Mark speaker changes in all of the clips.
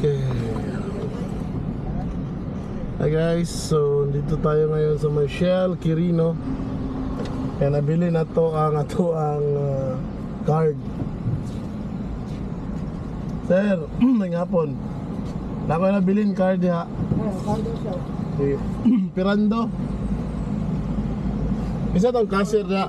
Speaker 1: Okay. Hi guys, so dito tayo ngayon sa may Shell Quirino. Kaya nabili na to ang card. Sir, nangyapon. Nako na bilin card ha. Okay. Pirando. Isa tong cashier ya.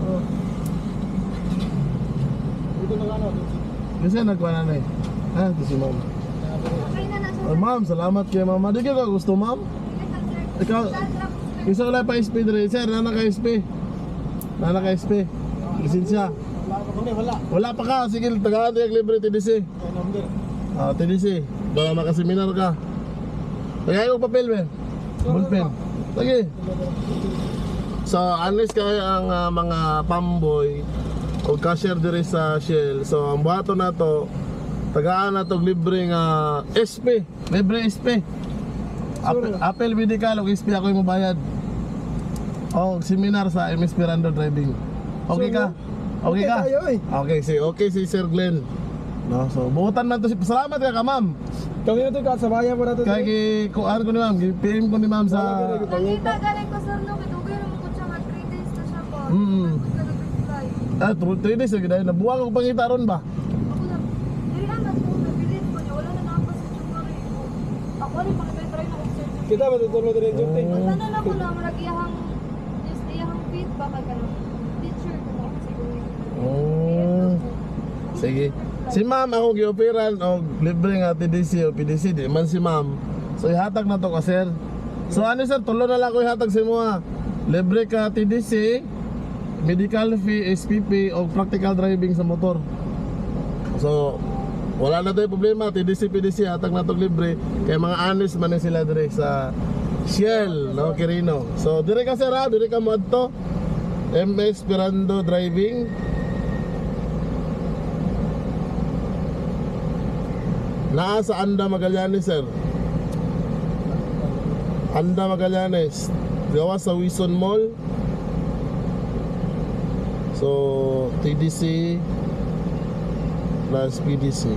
Speaker 1: Kasi nagkuha na eh. Ah, ito si ma'am. Oh, ma'am, salamat kay mama. Di ka gusto, ma'am? Ikaw, isa wala pa SP dre. Sir, nana ka SP. Nana ka SP. Lisensya. Wala pa ka. Sige, tagaan tayo libre TDC. TDC. Baka makaseminar ka. Tagay ko papel, be. Bullpen. Lagi. So, unless kayo ang mga pamboy o cashier diri sa Shell. So, ang buhato na to, tagaan na to libre nga SP. Libre SP. Apple medical o SP ako yung mabayad. O, seminar sa MS Pirando Driving. Okay ka? Okay ka? Okay si Sir Glenn. No, so buutan man to si salamat ka ma'am.
Speaker 2: Kami na to ka sa bayan mo na to.
Speaker 1: Kay kuan ko ni ma'am, PM ko ni ma'am sa
Speaker 3: Nakita galing ko sir no, kitugoy naman ko siya nga 3 days na siya pa.
Speaker 1: Ah, 3 days lagi dahil nabuwag ako pangita ron ba?
Speaker 3: Ako na, dili naman ko nabilin ko niya, wala na nakapas sa chungari ko. Ako rin makitry na kung sir.
Speaker 2: Kita ba tutulong din yung ting?
Speaker 3: Basta na ko lang, iyahang feedback ka ng teacher ko ako siguro.
Speaker 1: Sige. Si ma'am ako gi-operan og libre nga TDC o PDC di man si ma'am. So ihatag na to ka sir. So ano sir, tulo na lang ko ihatag sa mo ha. Libre ka TDC, medical fee, SPP o practical driving sa motor. So wala na tayo problema, TDC, PDC hatag na to libre. Kaya mga honest man sila dire sa Shell, no, Quirino. So dire ka sir ha, dire ka mo adto. MS Pirando Driving. Naa sa Anda Magallanes sir. Anda Magallanes. Gawa sa Wison Mall. So TDC plus PDC.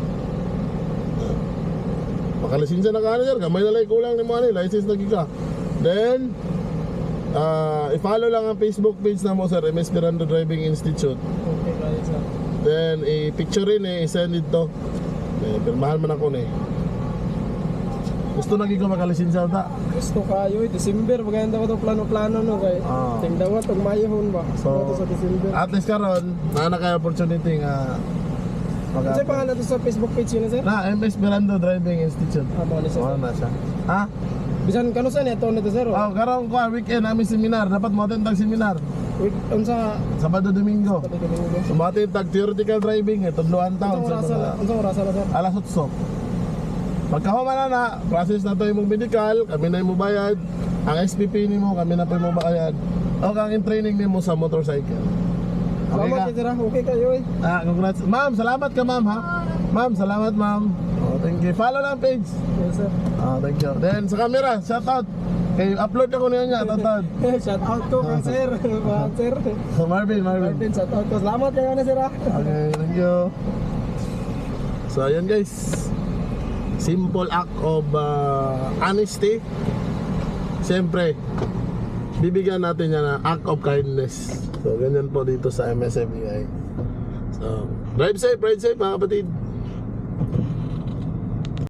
Speaker 1: Makalisensya na ka sir. Kamay na lang kulang ni mo ani. License lagi ka. Then i-follow lang ang Facebook page na mo sir, MS Pirando Driving Institute.
Speaker 2: Okay, kaya sir.
Speaker 1: Then i-picture rin i-send it to. Pirmahan man ako ni. Gusto lagi ko makalisensya ta.
Speaker 2: Gusto kayo, December maganda ko to plano-plano no kay. Tingdawat og mayahon ba. So sa December.
Speaker 1: At least karon na kay opportunity nga
Speaker 2: Kasi pangalan to sa Facebook page yun sir?
Speaker 1: na MS Pirando Driving Institute.
Speaker 2: Mo ni sir.
Speaker 1: Na siya. Ha?
Speaker 2: Bisan kano sa neto nito sir?
Speaker 1: Oh, karon ko weekend namin seminar, dapat mo attend seminar.
Speaker 2: Week unsa
Speaker 1: Sabado Domingo. So mo attend theoretical driving tudloan taon sa
Speaker 2: unsa oras na sir?
Speaker 1: alas 8. Pagkahuman na, process na to imong medical, kami na imong bayad. Ang SPP nimo kami na po imong bayad. O kang in training nimo sa motorcycle. Okay
Speaker 2: Salamat
Speaker 1: ka?
Speaker 2: sir. Okay kayo eh.
Speaker 1: Congrats. Ma'am, salamat ka ma'am ha. Ma'am, salamat ma'am. Oh, thank you. Follow lang page.
Speaker 2: Yes sir.
Speaker 1: Thank you. Then sa camera, shout out. Kay upload ako niya, tatad.
Speaker 2: Shout out ko kang sir. Sir.
Speaker 1: Marvin.
Speaker 2: Marvin, shout out ko. Salamat kayo na sir ha.
Speaker 1: Okay, thank you. So ayan guys. Simple act of honesty. Siyempre, bibigyan natin yan na act of kindness. So ganyan po dito sa MSFEI. So drive safe mga kapatid.